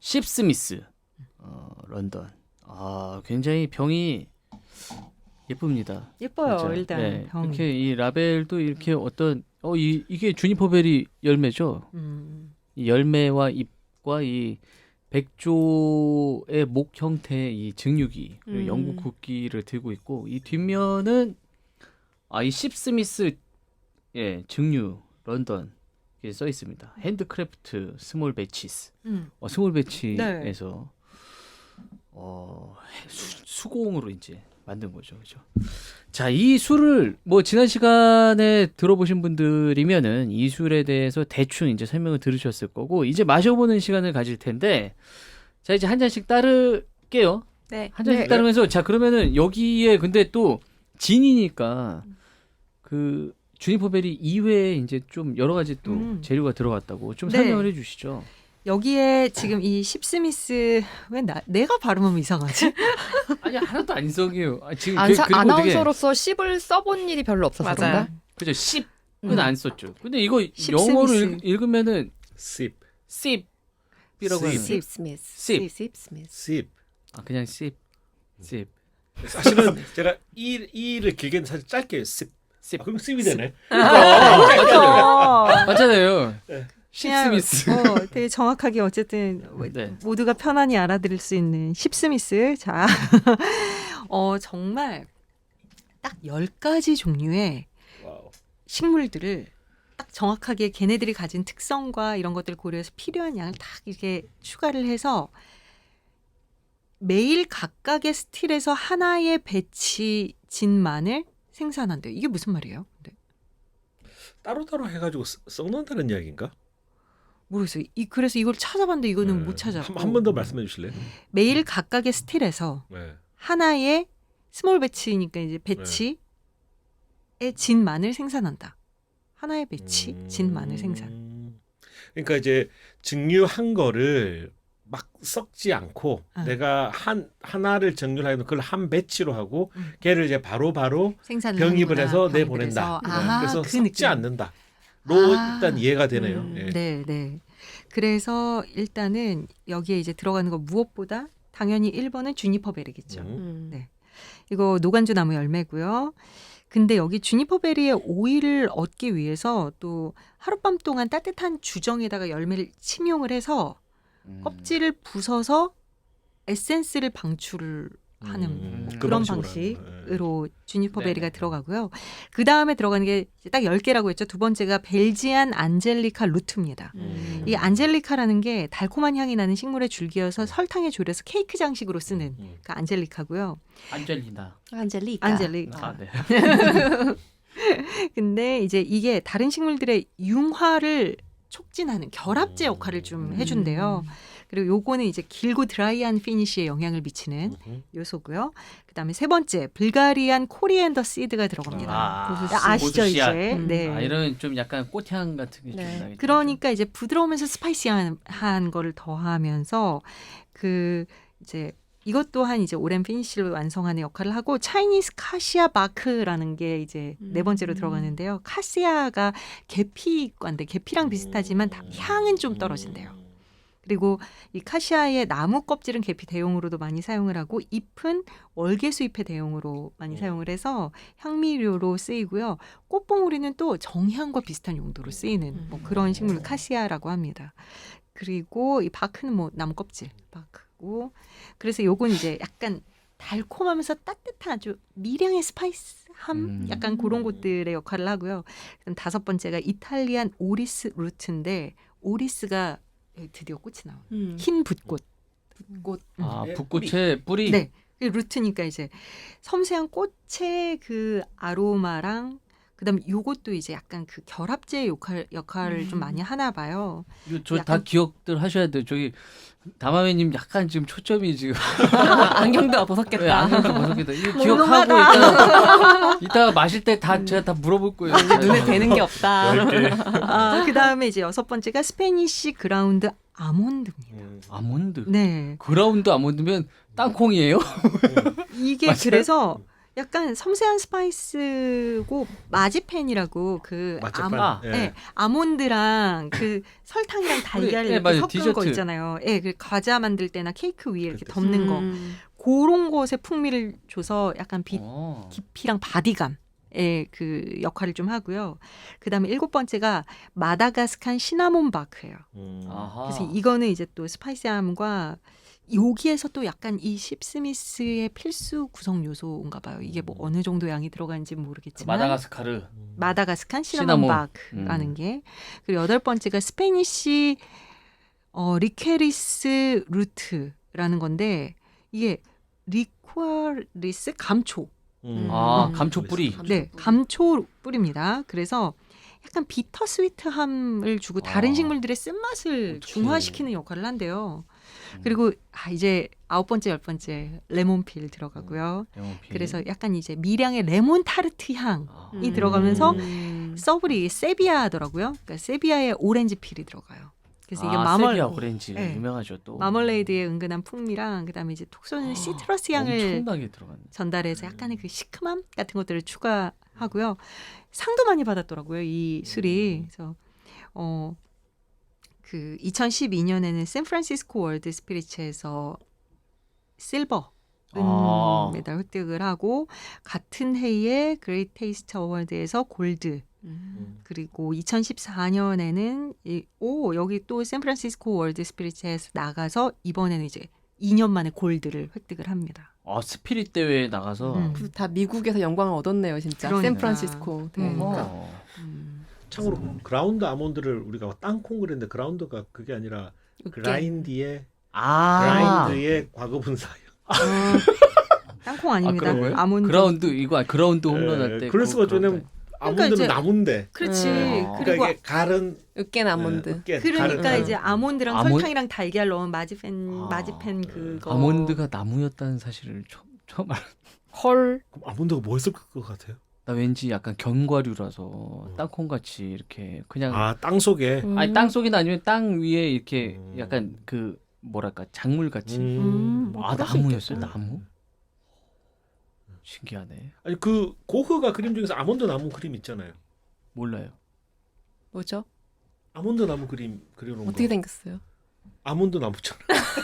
십스미스 런던. 굉장히 병이 예쁩니다. 예뻐요. 진짜. 일단 네, 병이. 이렇게 이 라벨도 이렇게 어떤 이게 주니퍼베리 열매죠. 이 열매와 잎과 이 백조의 목 형태의 이 증류기 그리고 영국 국기를 들고 있고 이 뒷면은 이 십스미스 증류 런던 이게 써 있습니다. 핸드크래프트 스몰 배치스. 스몰 배치에서 수공으로 이제 만든 거죠. 그죠? 자, 이 술을 뭐 지난 시간에 들어보신 분들이면은 이 술에 대해서 대충 이제 설명을 들으셨을 거고 이제 마셔보는 시간을 가질 텐데 자, 이제 한 잔씩 따를게요. 네. 한 잔씩 따르면서 자, 그러면은 여기에 근데 또 진이니까 그 주니퍼베리 이외에 이제 좀 여러 가지 또 재료가 들어갔다고 좀 설명을 해주시죠. 여기에 지금 이 십스미스 왜 내가 발음하면 이상하지? 아니 하나도 안 이상해요. 지금 그리고 아나운서로서 10을 써본 일이 별로 없어서 그런가? 그죠? 10은 안 썼죠. 근데 이거 영어로 읽으면은 sip이라고 하는 십 스미스. sip. 십 스미스. sip. 그냥 sip. 사실은 제가 이를 길게는 사실 짧게 sip. 그럼 sip이 되네. 맞잖아요. 그냥, 십스미스. 되게 정확하게 어쨌든 네. 모두가 편안히 알아들을 수 있는 십스미스. 자, 정말 딱 10가지 종류의 와우. 식물들을 딱 정확하게 걔네들이 가진 특성과 이런 것들을 고려해서 필요한 양을 딱 이렇게 추가를 해서 매일 각각의 스틸에서 하나의 배치 진만을 생산한대요. 이게 무슨 말이에요? 네. 따로따로 해가지고 썩는다는 이야기인가? 모르겠어요. 그래서 이걸 찾아봤는데 이거는 못 찾았고. 한 번 더 말씀해 주실래요? 매일 각각의 스틸에서 하나의 스몰 배치니까 이제 배치의 진만을 생산한다. 하나의 배치, 진만을 생산. 그러니까 이제 증류한 거를 막 썩지 않고 내가 하나를 증류를 하면 그걸 한 배치로 하고 걔를 이제 바로 병입을 해서 내보낸다. 그래서 그 썩지 느낌. 않는다. 로 일단 이해가 되네요. 네. 그래서 일단은 여기에 이제 들어가는 거 무엇보다 당연히 1번은 주니퍼베리겠죠. 네. 이거 노간주 나무 열매고요. 근데 여기 주니퍼베리의 오일을 얻기 위해서 또 하룻밤 동안 따뜻한 주정에다가 열매를 침용을 해서 껍질을 부숴서 에센스를 방출을 하는 그 그런 방식으로 방식으로 주니퍼베리가 들어가고요. 그 다음에 들어가는 게 딱 10개라고 했죠. 두 번째가 벨지안 안젤리카 루트입니다. 이 안젤리카라는 게 달콤한 향이 나는 식물의 줄기여서 설탕에 졸여서 케이크 장식으로 쓰는 그 안젤리카고요. 안젤리나. 안젤리카. 네. 근데 이제 이게 다른 식물들의 융화를 촉진하는 결합제 역할을 좀 해준대요. 그리고 요거는 이제 길고 드라이한 피니쉬에 영향을 미치는 요소고요. 그다음에 세 번째 불가리안 코리앤더 씨드가 들어갑니다. 아시죠 이제? 네. 이런 좀 약간 꽃향 같은 게 좀 나겠죠. 그러니까 이제 부드러우면서 스파이시한 거를 더하면서 그 이제 이것 또한 이제 오랜 피니쉬를 완성하는 역할을 하고 차이니스 카시아 바크라는 게 이제 네 번째로 들어가는데요. 카시아가 계피과인데 계피랑 비슷하지만 향은 좀 떨어진대요. 그리고 이 카시아의 나무 껍질은 계피 대용으로도 많이 사용을 하고 잎은 월계수 잎의 대용으로 많이 사용을 해서 향미료로 쓰이고요. 꽃봉오리는 또 정향과 비슷한 용도로 쓰이는 뭐 그런 식물 카시아라고 합니다. 그리고 이 바크는 뭐 나무 껍질 바크고 그래서 요건 이제 약간 달콤하면서 따뜻한 아주 미량의 스파이스함 약간 그런 것들의 역할을 하고요. 그럼 다섯 번째가 이탈리안 오리스 루트인데 오리스가 드디어 꽃이 나오는 흰 붓꽃. 붓꽃의 뿌리. 네, 루트니까 이제 섬세한 꽃의 그 아로마랑 그다음에 요것도 이제 약간 그 결합제 역할을 좀 많이 하나 봐요. 저 다 기억들 하셔야 돼요. 저기 다마매님 약간 지금 초점이 지금 안경도 벗었겠다. 안경도 벗었겠다. 이거 기억하고 이따가 마실 때 다 제가 다 물어볼 거예요. 눈에 되는 게 없다. 그다음에 이제 여섯 번째가 스페니쉬 그라운드 아몬드입니다. 아몬드. 네. 그라운드 아몬드면 땅콩이에요? 이게 그래서 약간 섬세한 스파이스고 마지펜이라고 그 마지판. 예. 네, 아몬드랑 그 설탕이랑 달걀 네, 이렇게 맞아요. 섞은 거 디저트. 있잖아요. 예, 그 과자 만들 때나 케이크 위에 이렇게 그렇죠. 덮는 거. 그런 것에 풍미를 줘서 약간 어. 깊이랑 바디감의 그 역할을 좀 하고요. 그다음에 7번째가 마다가스칸 시나몬 바크예요. 아하. 그래서 이거는 이제 또 스파이시함과 여기에서 또 약간 이 십스미스의 필수 구성 요소인가 봐요. 이게 뭐 어느 정도 양이 들어가는지 그 모르겠지만 마다가스카르. 마다가스칸 시나몬 시나몬. 바크라는 게. 그리고 8번째가 스페니쉬 리케리스 루트라는 건데 이게 리쿠아리스 감초. 아, 음. 감초 뿌리. 네, 감초 뿌립니다. 그래서 약간 비터 스위트함을 주고 다른 아. 식물들의 쓴맛을 어떡해. 중화시키는 역할을 한대요. 그리고 이제 9번째, 10번째 레몬필 들어가고요. 레몬필. 그래서 약간 이제 미량의 레몬 타르트 향이 아. 들어가면서 서브리 세비야더라고요. 그러니까 세비야의 오렌지 필이 들어가요. 그래서 이게 세비야 오렌지 네. 유명하죠 또. 마멀레이드의 은근한 풍미랑 그다음에 이제 톡 쏘는 시트러스 향을 엄청나게 들어갔네. 전달해서 약간의 그 시큼함 같은 것들을 추가하고요. 상도 많이 받았더라고요, 이 술이. 그래서 그 2012년에는 샌프란시스코 월드 스피리츠에서 실버 아. 메달 획득을 하고 같은 해에 그레이트 테이스트 어워드에서 골드 그리고 2014년에는 여기 또 샌프란시스코 월드 스피리츠에서 나가서 이번에는 이제 2년 만에 골드를 획득을 합니다. 아, 스피릿 대회에 나가서. 음. 다 미국에서 영광을 얻었네요, 진짜. 그러니까. 샌프란시스코. 네. 어. 참고로 그라운드 아몬드를 우리가 땅콩 그랬는데 그라운드가 그게 아니라 그라인드의 아. 그라인드의 과거 분사예요. 땅콩 아닙니다. 그런 거예요? 아몬드. 그라운드 이거 그라운드 홈런 할 때. 그럴 수가 왜냐면 아몬드는 이제- 나무인데. 그렇지. 아. 그리고 그러니까 이게 갈은 으깬 아몬드. 으깬 그러니까 갈은 이제 아몬드랑 아몬- 설탕이랑 달걀 넣은 마지펜 그거. 아몬드가 나무였다는 사실을 처음 알. 헐. 그럼 아몬드가 뭐 했을 것 같아요? 나 왠지 약간 견과류라서 땅콩 같이 이렇게 그냥 아, 땅 속에. 아니 땅 속이나 아니면 땅 위에 이렇게 음. 약간 그 뭐랄까 작물 같이. 뭐 아 그럴 수 나무였어요 있겠다. 나무? 신기하네. 아니 그 고흐가 그림 중에서 아몬드 나무 그림 있잖아요. 몰라요. 뭐죠? 아몬드 나무 그림 그려놓은 어떻게 거. 생겼어요? 아몬드 나무잖아.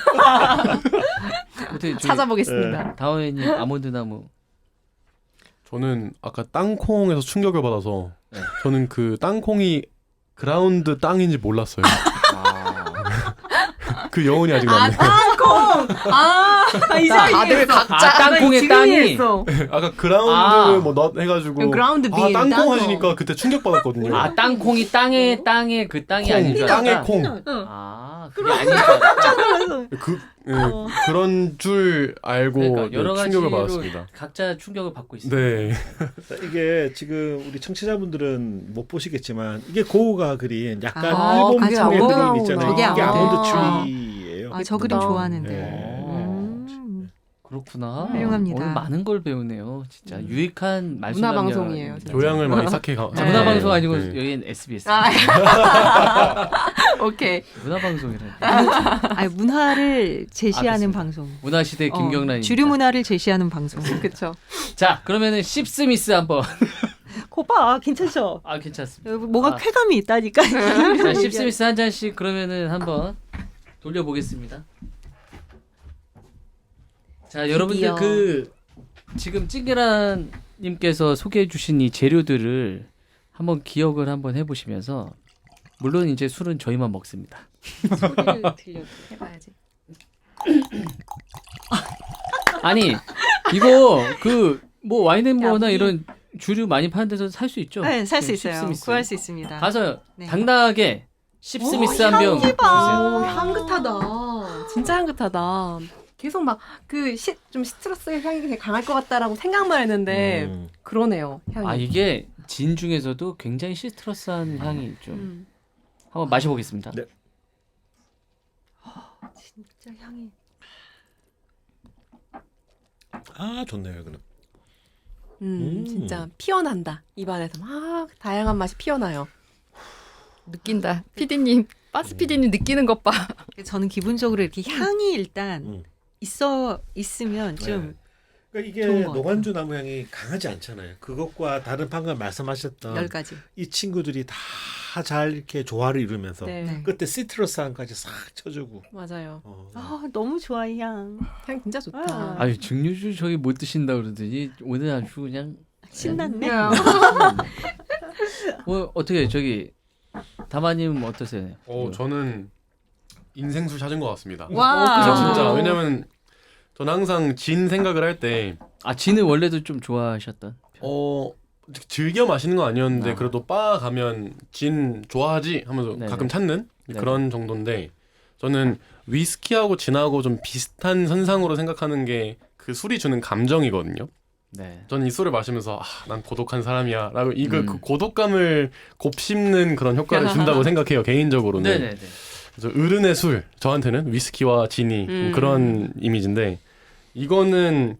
어떻게 찾아보겠습니다. 다원님 아몬드 나무. 저는 아까 땅콩에서 충격을 받아서 네. 저는 그 땅콩이 그라운드 땅인지 몰랐어요. 그 여운이 아직 남네요. 다들 각자 땅콩의 땅이. 아까 그라운드 아. 뭐 넛 해가지고 그라운드 아 빈, 땅콩 땅콩. 하시니까 그때 충격 받았거든요. 아 땅콩이 땅에 그 땅이 콩, 아닌 줄 땅의 알았다. 콩. 아 그게 아닌 줄 알았다. 그런 줄 알고 그러니까 여러 네, 충격을 가지로 받았습니다. 각자 충격을 받고 있습니다. 네. 이게 지금 우리 청취자분들은 못 보시겠지만 이게 고흐가 그린 약간 아, 일본 그게 풍의 아몬드 그림 있잖아요. 저게 이게 아몬드. 아몬드 트리예요. 아, 저 그림 예쁘다. 좋아하는데. 네. 그렇구나. 훌륭합니다. 오늘 많은 걸 배우네요. 진짜 유익한 말씀 문화 방송이에요, 진짜. 교양을 많이 쌓게 가. 자, 문화 방송 아니고 네. 여기는 SBS. 오케이. 문화 방송이라. 아니, 문화를 제시하는 알겠습니다. 방송. 문화 시대 김경란입니다. 주류 문화를 제시하는 방송. 그렇죠. 자, 그러면은 십스미스 한번. 거봐, 괜찮죠? 아, 괜찮습니다. 뭔가 아. 쾌감이 있다니까. 자, 십스미스 한 잔씩 그러면은 한번 돌려보겠습니다. 자, 여러분들 드디어. 그 지금 찡계란 님께서 소개해 주신 이 재료들을 한번 기억을 한번 해 보시면서 물론 이제 술은 저희만 먹습니다. 소리를 들려. 해봐야지. 아니, 이거 그 뭐 와인앤머나 야, 이런 주류 많이 파는 데서 살 수 있죠? 네, 살 수 그 있어요. 십스미스. 구할 수 있습니다. 가서 네. 당당하게 십스미스 한 병 향기 봐. 오, 향긋하다. 진짜 향긋하다. 계속 막 그 좀 시트러스 향이 되게 강할 것 같다라고 생각만 했는데 그러네요. 향이. 아, 이게 진 중에서도 굉장히 시트러스한 향이 좀 한번 마셔보겠습니다. 네. 진짜 향이. 아, 좋네요, 이거는. 진짜 피어난다. 입안에서 막 다양한 맛이 피어나요. 느낀다. PD님, 빠스 PD님 느끼는 것 봐. 저는 기본적으로 이렇게 향이 일단 음. 있으면 좀 그러니까 이게 좋은 것 노간주 나무 향이 강하지 않잖아요. 그것과 다른 방금 말씀하셨던 10가지. 이 친구들이 다 잘 이렇게 조화를 이루면서 네. 네. 그때 시트러스 향까지 싹 쳐주고. 맞아요. 아, 너무 좋아 이 향. 향 진짜 좋다. 아. 아유 증류주 저기 못 드신다 그러더니 오늘 아주 그냥 신났네. 뭐 어떻게 저기 다마님 어떠세요? 저는 인생술 찾은 것 같습니다. 와. 저 진짜 왜냐면 저는 항상 진 생각을 할 때 아 진은 원래도 좀 좋아하셨던. 즐겨 마시는 건 아니었는데 아. 그래도 바 가면 진 좋아하지 하면서 네네. 가끔 찾는 네네. 그런 정도인데 저는 위스키하고 진하고 좀 비슷한 선상으로 생각하는 게 그 술이 주는 감정이거든요. 네. 저는 이 술을 마시면서 난 고독한 사람이야 라고 이거 음. 그 고독감을 곱씹는 그런 효과를 준다고 생각해요 개인적으로는. 네네네. 그래서 어른의 술 저한테는 위스키와 진이 그런 이미지인데 이거는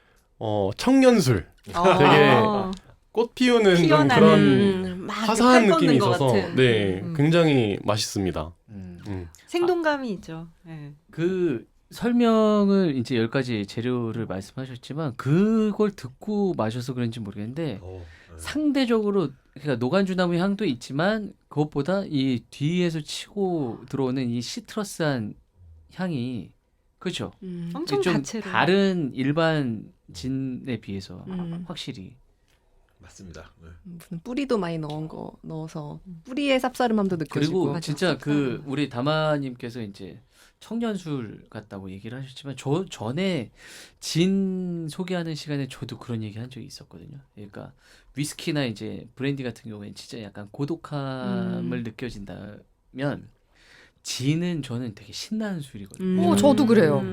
청년술 되게 꽃 피우는 좀 피어나는 그런 막 화사한 칼 느낌이 뻗는 것 있어서 같은. 네 굉장히 맛있습니다. 생동감이 있죠. 네. 그 설명을 이제 10가지 재료를 말씀하셨지만 그걸 듣고 마셔서 그런지 모르겠는데 상대적으로 그러니까 노간주나무 향도 있지만 그것보다 이 뒤에서 치고 들어오는 이 시트러스한 향이 그렇죠. 엄청 좀 다채로. 다른 일반 진에 비해서 확실히 맞습니다. 네. 무슨 뿌리도 많이 넣어서 뿌리의 쌉싸름함도 느껴지고. 그리고 맞아, 진짜 그 쌉싸름. 우리 다마님께서 이제 청년술 같다고 얘기를 하셨지만 저 전에 진 소개하는 시간에 저도 그런 얘기 한 적이 있었거든요. 그러니까 위스키나 이제 브랜디 같은 경우에는 진짜 약간 고독함을 느껴진다면 진은 저는 되게 신나는 술이거든요. 저도 그래요.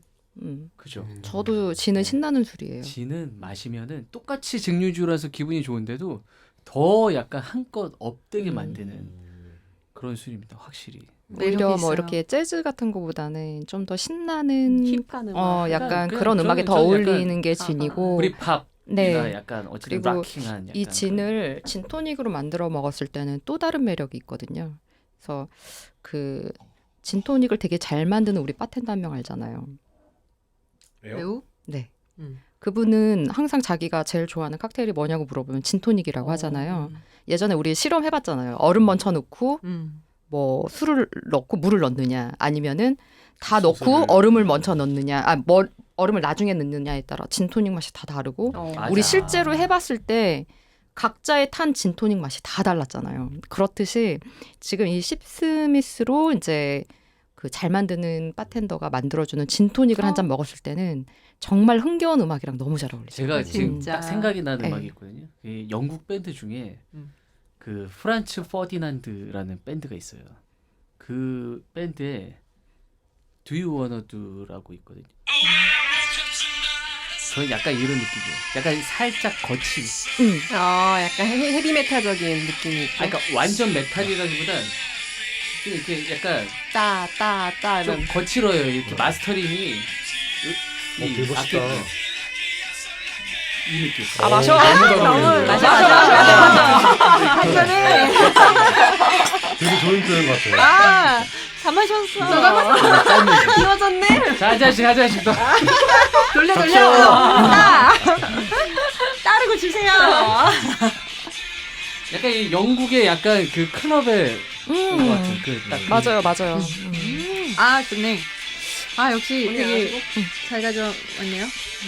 그죠? 저도 진은 신나는 술이에요. 진은 마시면은 똑같이 증류주라서 기분이 좋은데도 더 약간 한껏 업되게 만드는 그런 술입니다. 확실히. 오히려 뭐 있어요. 이렇게 재즈 같은 거보다는 좀 더 신나는 힙한 음악. 약간 그냥 그런 음악에 더 저는 어울리는 게 진이고 브리팝이나 네. 약간 어쨌든 그리고 락킹한 이 약간 진을 진토닉으로 만들어 먹었을 때는 또 다른 매력이 있거든요. 그래서 그 진토닉을 되게 잘 만드는 우리 바텐더 한 명 알잖아요. 매우 네. 음. 그분은 항상 자기가 제일 좋아하는 칵테일이 뭐냐고 물어보면 진토닉이라고 하잖아요. 예전에 우리 실험해봤잖아요. 얼음 먼저 넣고 뭐 술을 넣고 물을 넣느냐 아니면은 다 넣고 소스를. 얼음을 먼저 넣느냐 얼음을 나중에 넣느냐에 따라 진토닉 맛이 다 다르고 맞아. 우리 실제로 해봤을 때 각자의 탄 진토닉 맛이 다 달랐잖아요. 그렇듯이 지금 이 십스미스로 이제 그 잘 만드는 바텐더가 만들어주는 진토닉을 한 잔 먹었을 때는 정말 흥겨운 음악이랑 너무 잘 어울리죠. 제가 지금 진짜. 딱 생각이 나는 네. 음악이 있거든요. 이 영국 밴드 중에 음. 그 프란츠 퍼디난드라는 밴드가 있어요. 그 밴드에 Do You Wanna Do라고 있거든요. 저는 약간 이런 느낌이에요. 약간 살짝 거친. 약간 헤비메탈적인 느낌이 있고. 그러니까 완전 메탈이라기보단 좀 이렇게 약간 따 좀 이런. 거칠어요. 이렇게 마스터링이 되게 멋있다. 악기 이 느낌. 아 마셔. 마셔. 한잔해. 되게 좋은 표현 같아요. 아, 다 마셨어. 비워졌네. 자, 한 잔씩 더. 돌려. 따르고 주세요. 약간 이 영국의 약간 그 클럽의 것 같은 그딱 맞아요. 아, 좋네. 아, 역시 언니 되게 잘 가져왔네요.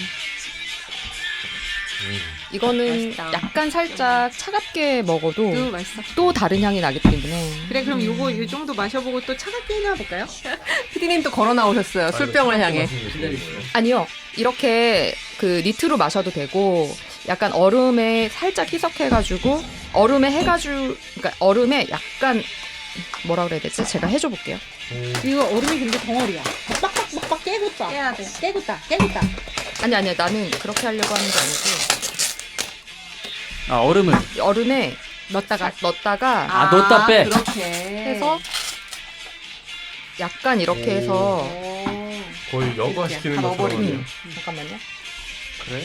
이거는 맛있다. 약간 살짝 차갑게 먹어도 너무 맛있어. 또 다른 향이 나기 때문에 그래, 그럼 요거 이 정도 마셔보고 또 차갑게 해놔 볼까요? 피디님 또 걸어 나오셨어요. 술병을 향해. 아니요. 이렇게 그 니트로 마셔도 되고 약간 얼음에 살짝 희석해가지고 얼음에 해가지고 그러니까 얼음에 약간 뭐라 그래야 되지? 제가 해줘 볼게요. 이거 얼음이 근데 덩어리야. 빡빡 깨겠다. 깨야 돼. 깨겠다. 아니 나는 그렇게 하려고 하는 게 아니고 아 얼음을 얼음에 넣었다가 아, 넣었다 빼. 그렇게 해서 약간 이렇게 해서 거의 여과시키는 다 것처럼 넣어버리네. 하네요. 잠깐만요. 그래?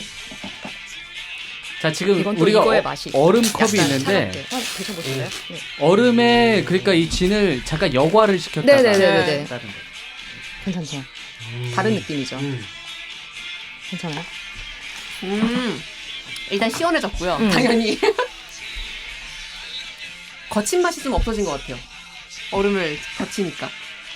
자 지금 이건 또 우리가 이거의 맛이 얼음 컵이 약간 있는데 차갑게. 드셔보실래요? 네. 얼음에 그러니까 이 진을 잠깐 여과를 시켰다가 네네네네. 다른 거. 괜찮죠. 다른 느낌이죠. 괜찮아요? 일단 시원해졌고요. 음. 당연히. 거친 맛이 좀 없어진 것 같아요. 얼음을 거치니까.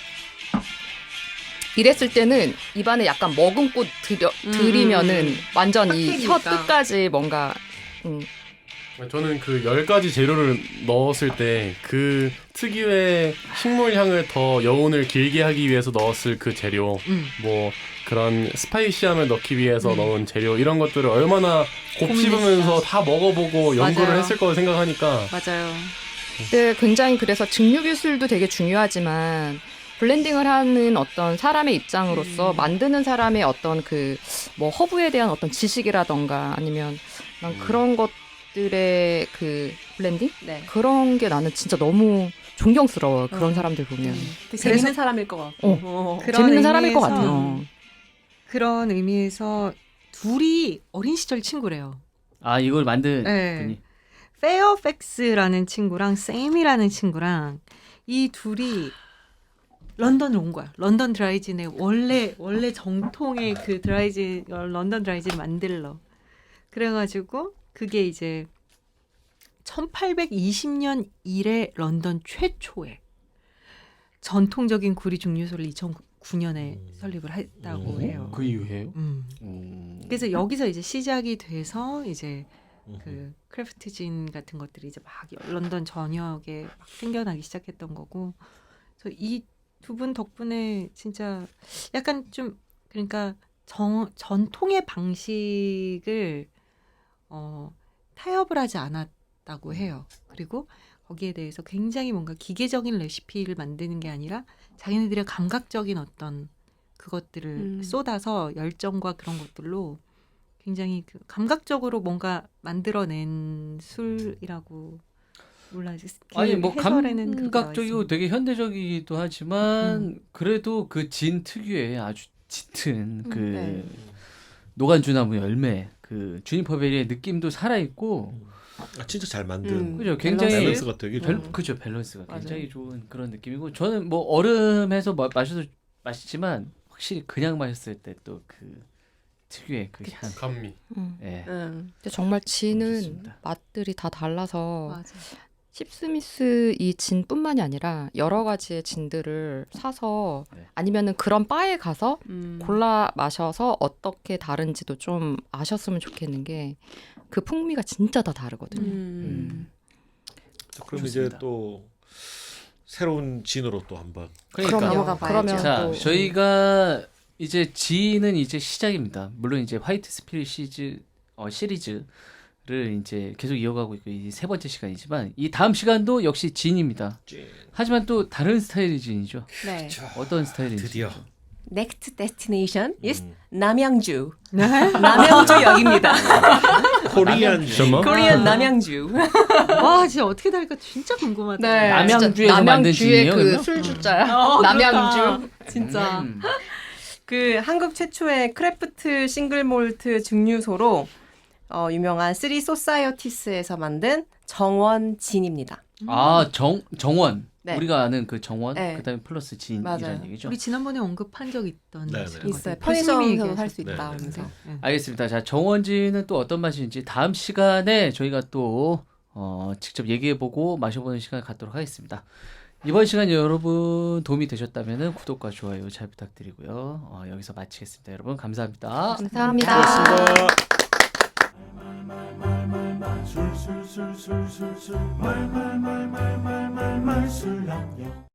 이랬을 때는 입안에 약간 머금고 들이면은 완전 이 혀 빡빡이니까. 끝까지 뭔가 저는 그 10가지 재료를 넣었을 때 그 특유의 식물 향을 더 여운을 길게 하기 위해서 넣었을 그 재료, 뭐 그런 스파이시함을 넣기 위해서 넣은 재료 이런 것들을 얼마나 곱씹으면서 다 먹어보고 연구를 맞아요. 했을 거라 생각하니까 맞아요. 네, 굉장히 그래서 증류 기술도 되게 중요하지만 블렌딩을 하는 어떤 사람의 입장으로서 만드는 사람의 어떤 그 뭐 허브에 대한 어떤 지식이라던가 아니면 난 그런 것들의 그 블렌딩 네. 그런 게 나는 진짜 너무 존경스러워. 그런 사람들 보면 되게 재밌는 사람일 것 같고. 그런 재밌는 사람일 것 의미에서 같아요. 그런 의미에서 둘이 어린 시절 친구래요. 아 이걸 만든 네. 분이 페어팩스라는 친구랑 샘이라는 친구랑 이 둘이 런던을 온 거야. 런던 드라이진의 원래 정통의 그 드라이진 런던 드라이진 만들러. 그래가지고 그게 이제 1820년 이래 런던 최초의 전통적인 구리 증류소를 2009년에 설립을 했다고 해요. 그 이후에요. 그래서 여기서 이제 시작이 돼서 이제 그 크래프트진 같은 것들이 이제 막 런던 전역에 막 생겨나기 시작했던 거고. 그래서 이 두 분 덕분에 진짜 약간 좀 그러니까 전통의 방식을 타협을 하지 않았다고 해요. 그리고 거기에 대해서 굉장히 뭔가 기계적인 레시피를 만드는 게 아니라 자기네들의 감각적인 어떤 그것들을 쏟아서 열정과 그런 것들로 굉장히 그 감각적으로 뭔가 만들어낸 술이라고 몰라. 아니 뭐 해설에는 그렇게 나와 감각적이고 있습니다. 되게 현대적이기도 하지만 그래도 그 진 특유의 아주 짙은 그 네. 노간주나무 열매 그 주니퍼베리의 느낌도 살아 있고 진짜 잘 만든 그죠 굉장히 밸런스가 되게 좋아. 그죠 밸런스가 굉장히 맞아요. 좋은 그런 느낌이고 저는 뭐 얼음해서 마셔도 맛있지만 확실히 그냥 마셨을 때 또 그 특유의 그 향. 감미. 예. 근데 정말 진은 좋습니다. 맛들이 다 달라서 맞아. 십스미스 이 진뿐만이 아니라 여러 가지의 진들을 사서 네. 아니면은 그런 바에 가서 음. 골라 마셔서 어떻게 다른지도 좀 아셨으면 좋겠는 게 그 풍미가 진짜 다 다르거든요. 그럼 좋습니다. 이제 또 새로운 진으로 또 한번 그러니까 넘어가 봐야죠. 그러면 자 또 저희가 이제 진은 이제 시작입니다. 물론 이제 화이트 스피릿 시리즈를 이제 계속 이어가고 있고 이 세 번째 시간이지만 이 다음 시간도 역시 진입니다. 하지만 또 다른 스타일의 진이죠. 네. 어떤 스타일인지 드디어 Next destination is 남양주. 네. 남양주역입니다. 코리안 잠깐만. 코리안 남양주. 와 진짜 어떻게 다를까 진짜 궁금하다. 네. 남양주에서 만든 남양주의 진이에요. 그 그러면? 술주자야. 그렇다. 남양주. 진짜. 음. 그 한국 최초의 크래프트 싱글 몰트 증류소로 유명한 쓰리 소사이어티스에서 만든 정원 진입니다. 아 정원 네. 우리가 아는 그 정원 네. 그다음에 플러스 진이라는 맞아요. 얘기죠. 우리 지난번에 언급한 적 있던 네, 네. 거거든요. 있어요. 교수님이 편의점에서도 얘기하셨- 살 수 있다. 네, 하면서. 네. 알겠습니다. 자 정원진은 또 어떤 맛인지 다음 시간에 저희가 또 직접 얘기해보고 마셔보는 시간을 갖도록 하겠습니다. 이번 시간 여러분 도움이 되셨다면 구독과 좋아요 잘 부탁드리고요. 여기서 마치겠습니다. 여러분 감사합니다. 감사합니다. 고맙습니다. 술술술술술술 말말말말말말술랑요